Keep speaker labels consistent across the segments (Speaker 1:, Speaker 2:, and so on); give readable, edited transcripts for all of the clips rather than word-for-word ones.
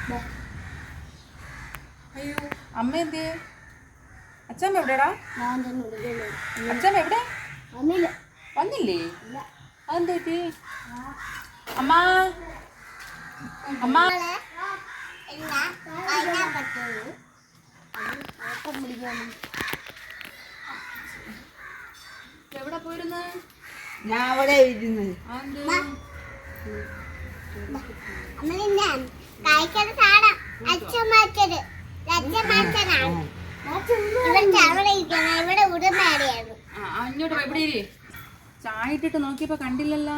Speaker 1: അയ്യോ അമ്മ എന്തേ? അച്ഛമ്മ എവിടെടാ? അച്ഛമ്മ എവിടെ? വന്നില്ലേ? അതെന്താ പറ്റി? അമ്മ അമ്മ എവിടെ പോയിരുന്നു?
Speaker 2: ഞാൻ അവിടെ ഇരുന്ന്
Speaker 1: അങ്ങോട്ട് എവിടെ ചായ ഇട്ടിട്ട് നോക്കിയപ്പോ കണ്ടില്ലല്ലോ.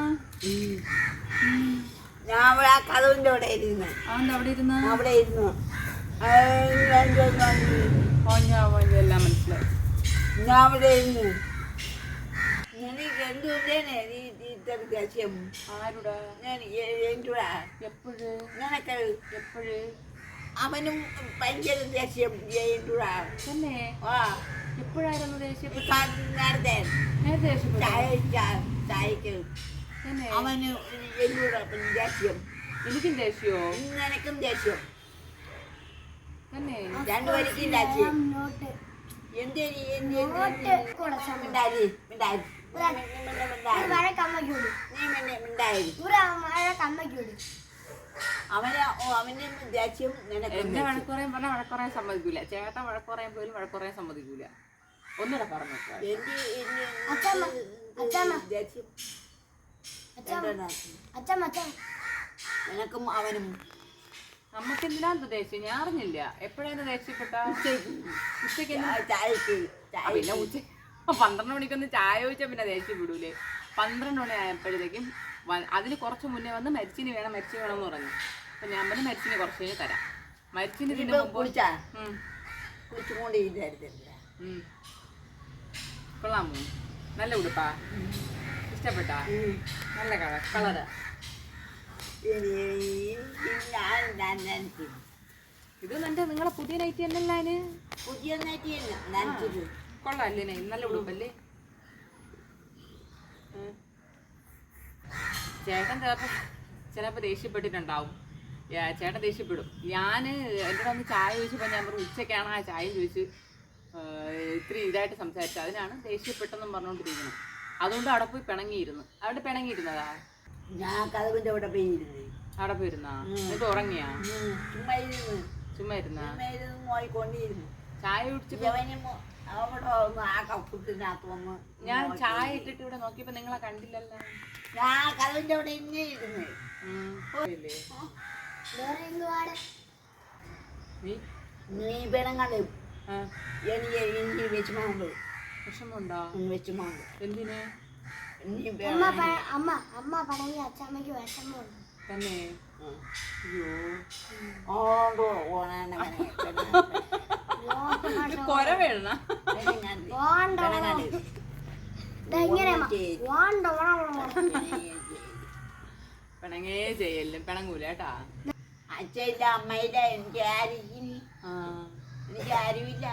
Speaker 2: ഞാൻ അവിടെ ആ കഥവിന്റെ അവിടെ ഇരുന്ന്.
Speaker 1: അതെന്താ അവിടെ ഇരുന്ന്?
Speaker 2: അവിടെ ഇരുന്നു
Speaker 1: എല്ലാം മനസ്സിലായി.
Speaker 2: ഞാൻ അവിടെ ഇരുന്നു. എനിക്ക് എന്തുകൊണ്ടേനെ ഇത്ര ദേഷ്യം?
Speaker 1: ആരുടെ?
Speaker 2: എന്തുടാ
Speaker 1: എപ്പോഴ്?
Speaker 2: നിനക്ക്
Speaker 1: എപ്പോഴ്?
Speaker 2: അവനും ഭയങ്കര ദേഷ്യം എന്തുടാ
Speaker 1: തന്നെ?
Speaker 2: ആ
Speaker 1: എപ്പോഴായിരുന്നു ദേഷ്യം?
Speaker 2: നേരത്തെ ചായക്ക് അവന് എന്നോട് ദേഷ്യം.
Speaker 1: എനിക്കും ദേഷ്യമോ?
Speaker 2: നിനക്കും ദേഷ്യം.
Speaker 1: തന്നെ?
Speaker 2: രണ്ടുപേർക്കും ദേഷ്യം. എന്തേരി മിണ്ടായി അവന് ദേഷ്യം.
Speaker 1: എന്നെ വഴക്കുറയും പറഞ്ഞാൽ വഴക്കുറയാൻ സമ്മതിക്കൂല. ചേട്ടൻ വഴക്കുറയാൻ പോലും വഴക്കുറയാൻ സമ്മതിക്കൂല. ഒന്നുകൂടെ പറഞ്ഞു.
Speaker 2: എനക്കും അവനും
Speaker 1: നമ്മക്ക് എന്തിനാ ദേഷ്യം? ഞാൻ അറിഞ്ഞില്ല. എപ്പോഴായിരുന്നു ദേഷ്യപ്പെട്ട? ഉച്ചക്ക് പിന്നെ ഉച്ച 12 മണിക്കൊന്ന് ചായ ചോദിച്ചാൽ പിന്നെ ദേഷ്യം വിടൂലേ? 12 മണി ആയപ്പോഴത്തേക്കും അതിന് കുറച്ച് മുന്നേ വന്ന് മരിച്ചിന് വേണമെന്ന് പറഞ്ഞു. അപ്പൊ ഞാൻ പറഞ്ഞു മരിച്ചിന് കുറച്ച് കഴിഞ്ഞ് തരാം. മരിച്ചിന് ഇതിന് മുമ്പ് കൊള്ളാമോ? നല്ല ഉടുപ്പാ? ഇഷ്ടപ്പെട്ടാ? നല്ല കളറ്. ഇത് നിങ്ങളെ പുതിയ നൈറ്റി അല്ലല്ലോ? അതിന്
Speaker 2: പുതിയ നൈറ്റി
Speaker 1: കൊള്ളാല്ലേ? നല്ല ഉടുപ്പല്ലേ? ചേട്ടൻ ചിലപ്പോ ദേഷ്യപ്പെട്ടിട്ടുണ്ടാവും. ചേട്ടൻ ദേഷ്യപ്പെടും. ഞാൻ എൻ്റെ വന്ന് ചായ ചോദിച്ചപ്പോൾ ഞാൻ പറഞ്ഞു ഉച്ചയ്ക്കാണ് ആ ചായ ചോദിച്ച് ഇത്തിരി ഇതായിട്ട് സംസാരിച്ചു. അതിനാണ് ദേഷ്യപ്പെട്ടെന്നും പറഞ്ഞുകൊണ്ടിരിക്കുന്നത്. അതുകൊണ്ട് അവിടെ പോയി പിണങ്ങിയിരുന്നു. അവിടെ പിണങ്ങിയിരുന്നതാ?
Speaker 2: ഞാൻ കഥവിന്റെ അവിടെ പോയിരുന്നേ.
Speaker 1: അവിടെ പോയിരുന്നാ? എന്നിട്ട് ഉറങ്ങിയാ? ചുമ്മാ ഇരുന്നാ? ചായ കുടിച്ചപ്പോ ഞാൻ ചായ ഇട്ടിട്ട് ഇവിടെ നോക്കിയപ്പോ നിങ്ങളെ കണ്ടില്ലല്ലോ.
Speaker 2: ഞാൻ കഥവിന്റെ അവിടെ ഇങ്ങനെ ഇരുന്ന്. നീ പിണങ്ങാണ്ട് എനിക്ക് വിഷമമുണ്ട്.
Speaker 1: വിഷമമുണ്ടോ?
Speaker 2: വിഷമമുണ്ട്.
Speaker 1: എന്തിന്?
Speaker 3: അമ്മ പറഞ്ഞ അച്ഛമ്മക്ക് വിഷമമുണ്ട്
Speaker 1: തന്നെ? കൊര വേണ പിണങ്ങേ ചെയ്യലും പിണങ്ങൂല കേട്ടാ.
Speaker 2: അച്ഛയില്ല അമ്മയില്ല എനിക്ക് ആരുമില്ല.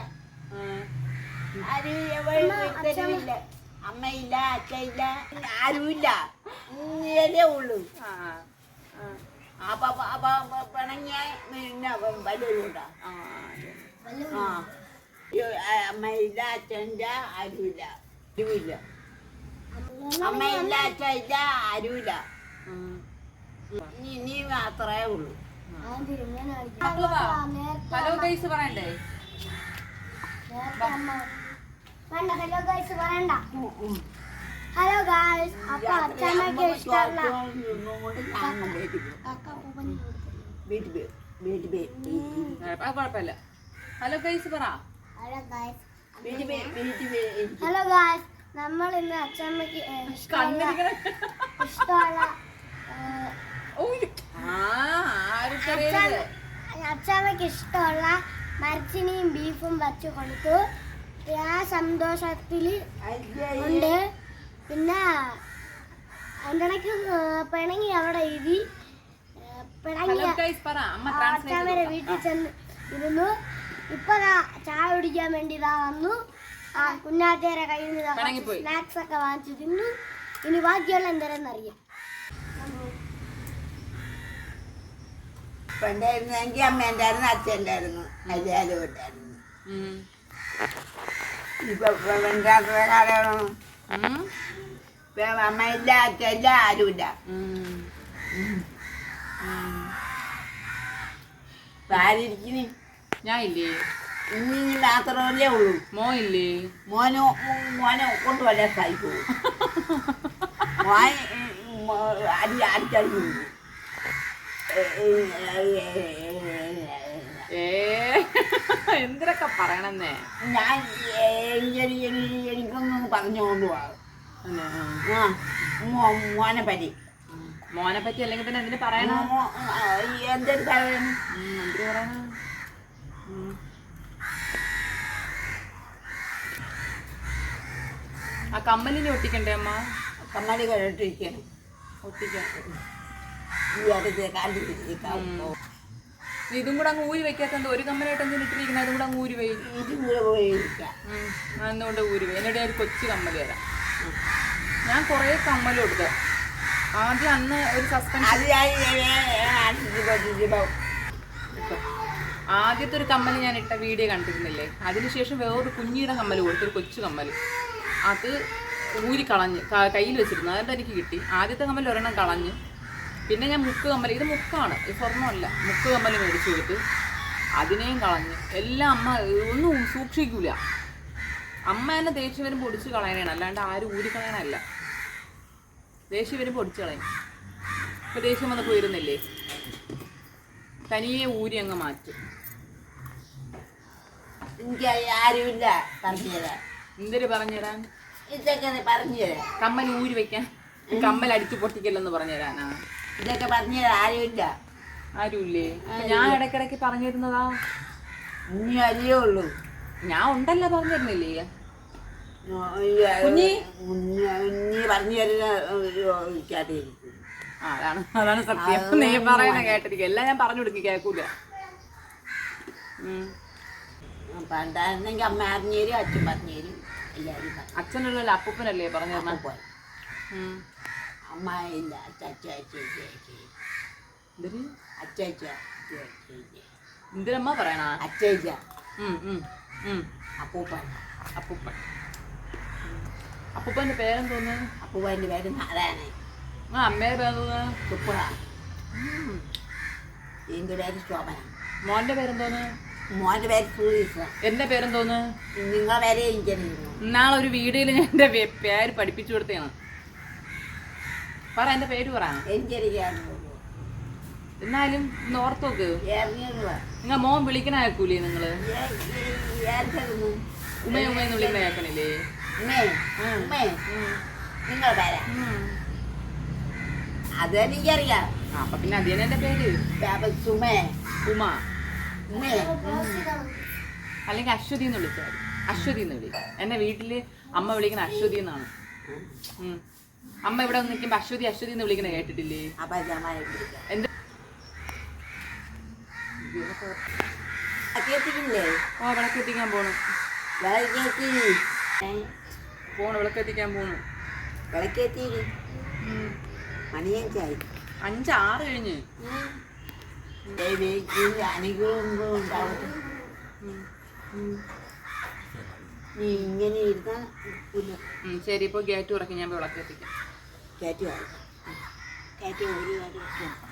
Speaker 2: ആരുമില്ല. അമ്മയില്ല അച്ഛയില്ല ആരുമില്ല. നീയല്ലേ ഉള്ളൂ. അപ്പൊ പിണങ്ങിയ പിന്നെ വല്ലവരുണ്ടാ? അമ്മയില്ല അച്ഛനില്ല ആരുമില്ല. അമ്മയില്ല അച്ഛയില്ല ആരുമില്ല. നീ മാത്രമേ ഉള്ളൂ.
Speaker 1: ഹലോ ഗൈസ് പറയണ്ടേ?
Speaker 3: ഹലോ ഗൈസ് പറയണ്ട. Hello guys. അപ്പൊ അച്ഛമ്മക്ക് ഇഷ്ടമല്ല.
Speaker 1: കുഴപ്പമില്ല. ഹലോ ഗൈസ് പറ.
Speaker 3: Hello guys. നമ്മൾ ഇന്ന് അച്ഛമ്മക്ക് ഇഷ്ടമുള്ള അച്ഛമ്മക്ക് ഇഷ്ടമുള്ള മരച്ചിനിയും ബീഫും വച്ച് കൊടുത്തു. ആ സന്തോഷത്തിൽ ഉണ്ട്. പിന്നെ അതിൻ്റെ ഇടയ്ക്ക് പിണങ്ങി അവിടെ ഇരി അച്ഛമ്മയുടെ വീട്ടിൽ ചെന്ന് ഇരുന്നു. ഇപ്പൊ ചായ കുടിക്കാൻ വേണ്ടി ഇതാ വന്നു. കുഞ്ഞാത്തേരെ കയ്യിൽ നിന്ന് സ്നാക്സ് ഒക്കെ വാങ്ങിച്ചു തിന്നു. ഇനി ബാക്കിയുള്ള എന്തരെന്നറിയാം.
Speaker 2: പണ്ടായിരുന്നെങ്കിൽ അമ്മേൻ്റെ ആയിരുന്നു അച്ഛൻ്റെ ആയിരുന്നു എല്ലാവരും ഉണ്ടായിരുന്നു.
Speaker 1: ഉം.
Speaker 2: ഇപ്പൊ രണ്ടാമത്തെ കാലമാണ്.
Speaker 1: ഉം.
Speaker 2: അമ്മയില്ല അച്ഛനില്ല ആരുമില്ല.
Speaker 1: ഉം.
Speaker 2: ആരിയ്ക്കുന്നു?
Speaker 1: ഞാൻ ഇല്ലേ?
Speaker 2: ഇനി മാത്രമല്ലേ ഉള്ളൂ.
Speaker 1: മോ ഇല്ലേ?
Speaker 2: മോനെ കൊണ്ടുവല്ല സഹിക്കൂ. മോൻ അടിച്ചടിച്ചു
Speaker 1: എന്തിനൊക്കെ പറയണെന്നേ.
Speaker 2: ഞാൻ എനിക്കൊന്നും പറഞ്ഞുകൊണ്ട് പോവാം. മോനെ പറ്റി
Speaker 1: മോനെ പറ്റി അല്ലെങ്കിൽ പിന്നെ എന്തിനു പറയണോ?
Speaker 2: എന്തൊരു പറയണം?
Speaker 1: എന്തിനു പറയണ? ആ കമ്മലിനെ ഒട്ടിക്കണ്ടേ അമ്മ?
Speaker 2: കമ്മലി കേട്ടിരിക്കണം.
Speaker 1: ഒട്ടിക്കാം.
Speaker 2: ഈ അടുത്ത് കാലിരിക്കാം.
Speaker 1: ഇതും കൂടെ അങ്ങ് ഊരി വെക്കാത്ത ഒരു കമ്മലായിട്ട് എന്തിനു ഇട്ടിരിക്കുന്നത്? അതും കൂടെ അങ്ങ് ഊരി പോയി.
Speaker 2: ഇതും കൂടെ പോയിരിക്കാം.
Speaker 1: എന്തുകൊണ്ട് ഊരി പോയി? എന്നിട്ട് ഒരു കൊച്ചു കമ്മല് തരാം. ഞാൻ കുറേ കമ്മലും എടുക്കാം. ആദ്യം അന്ന് ഒരു സസ്പെൻസ്, ആദ്യത്തെ ഒരു കമ്മൽ ഞാൻ ഇട്ട വീഡിയോ കണ്ടിരുന്നില്ലേ? അതിനുശേഷം വേറൊരു കുഞ്ഞിയുടെ കമ്മൽ കൊടുത്തൊരു കൊച്ചു കമ്മൽ, അത് ഊരി കളഞ്ഞ് കയ്യിൽ വെച്ചിരുന്നു. അതുകൊണ്ട് എനിക്ക് കിട്ടി. ആദ്യത്തെ കമ്മൽ ഒരെണ്ണം കളഞ്ഞ്. പിന്നെ ഞാൻ മുക്ക് കമ്മൽ, ഇത് മുക്കാണ്, ഇത് സ്വർണ്ണമല്ല, മുക്ക് കമ്മൽ മേടിച്ചു കൊടുത്ത് അതിനെയും കളഞ്ഞ്. എല്ലാം അമ്മ ഒന്നും സൂക്ഷിക്കൂല. അമ്മ തന്നെ ദേഷ്യം വരുമ്പോൾ പൊടിച്ച് കളയണേണ്, അല്ലാണ്ട് ആരും ഊരി കളയണല്ല. ദേഷ്യം വരുമ്പോൾ പൊടിച്ച് കളയും. ഇപ്പം ദേഷ്യം വന്ന് പോയിരുന്നില്ലേ, തനിയെ ഊരി അങ്ങ് മാറ്റും.
Speaker 2: എനിക്ക് ആരുമില്ല പറഞ്ഞുതരാൻ.
Speaker 1: എന്തൊരു പറഞ്ഞുതരാൻ?
Speaker 2: ഇതൊക്കെ പറഞ്ഞുതരാം.
Speaker 1: കമ്മൽ ഊരി വെക്കാൻ, കമ്മൽ അടിച്ചു പൊട്ടിക്കല്ലെന്ന് പറഞ്ഞുതരാനാ?
Speaker 2: ഇതൊക്കെ പറഞ്ഞുതരാൻ ആരുമില്ല.
Speaker 1: ആരുമില്ലേ? ഞാൻ ഇടയ്ക്കിടയ്ക്ക് പറഞ്ഞു തരുന്നതാ.
Speaker 2: ഇനി അല്ലേ ഉള്ളൂ.
Speaker 1: ഞാൻ ഉണ്ടല്ലോ പറഞ്ഞു തരുന്നില്ലേ?
Speaker 2: കുഞ്ഞി പറഞ്ഞു തരുന്ന
Speaker 1: അതാണ് സത്യം. നീ പറയണ കേട്ടിരിക്കും. എല്ലാം ഞാൻ പറഞ്ഞു കൊടുക്കും, കേൾക്കൂല.
Speaker 2: പണ്ടായിരുന്നെങ്കിൽ അമ്മ അറിഞ്ഞു തരും, അച്ഛൻ പറഞ്ഞു തരും, എല്ലാവരും.
Speaker 1: അച്ഛനല്ലോ അപ്പൂപ്പനല്ലേ പറഞ്ഞു തരണ?
Speaker 2: അമ്മ ഇല്ല,
Speaker 1: എന്തിനമ്മ പറയണ?
Speaker 2: അച്ഛ
Speaker 1: അപ്പൂപ്പൻ. അപ്പൂപ്പൻ. അപ്പൂപ്പന്റെ പേരെന്തോന്ന്?
Speaker 2: അപ്പൂപ്പൻ്റെ പേര് നാരായണൻ.
Speaker 1: അമ്മയുടെ പേരെന്തോന്ന്?
Speaker 2: സുപ്പുഴ. എൻ്റെ പേര് ശോഭന.
Speaker 1: മോന്റെ പേരെന്തോന്ന്?
Speaker 2: മോൻ്റെ പേര് സുധീഷ്.
Speaker 1: എന്റെ പേരെന്തോന്ന്?
Speaker 2: നിങ്ങളെ പേരെ എനിക്കറിയുന്നു.
Speaker 1: ഇന്നാളെ ഒരു വീഡിയോയിൽ ഞാൻ എന്റെ പേര് പഠിപ്പിച്ചു കൊടുത്തതാണ്. പറ, എന്റെ പേര് പറ.
Speaker 2: എനിക്കറിയാമോ?
Speaker 1: എന്നാലും ഒന്ന് ഓർത്ത് നോക്ക്. നിങ്ങൾ മോൻ വിളിക്കണ കേൾക്കൂലേ? നിങ്ങള് ഉമ്മയെന്ന് വിളിക്കണ കേൾക്കണില്ലേ?
Speaker 2: നിങ്ങളെ പേരാ? അതെനിക്കറിയാം.
Speaker 1: അപ്പൊ പിന്നെ അതിന് എന്റെ പേര്
Speaker 2: സുമേ.
Speaker 1: ഉമ അല്ലെങ്കിൽ അശ്വതി എന്ന് വിളിച്ചാൽ. അശ്വതി എന്ന് വിളി. എന്റെ വീട്ടില് അമ്മ വിളിക്കണ അശ്വതി എന്നാണ്. അമ്മ ഇവിടെ നിൽക്കുമ്പോ അശ്വതി അശ്വതി എന്ന് വിളിക്കണ കേട്ടിട്ടില്ലേ? എന്ത് വിളക്കെത്തിക്കാൻ പോണു. വിളക്കെത്തിക്കാൻ പോണു.
Speaker 2: മണിയഞ്ചായി.
Speaker 1: 5-6 കഴിഞ്ഞ്.
Speaker 2: നീ ഇങ്ങനെ ഇരുന്നാ
Speaker 1: ശരി, ഇപ്പൊ ഗേറ്റ് തുറക്കി, ഞാൻ വിളക്കെത്തിക്കാം.
Speaker 2: കയറ്റി ഒരു കാര്യം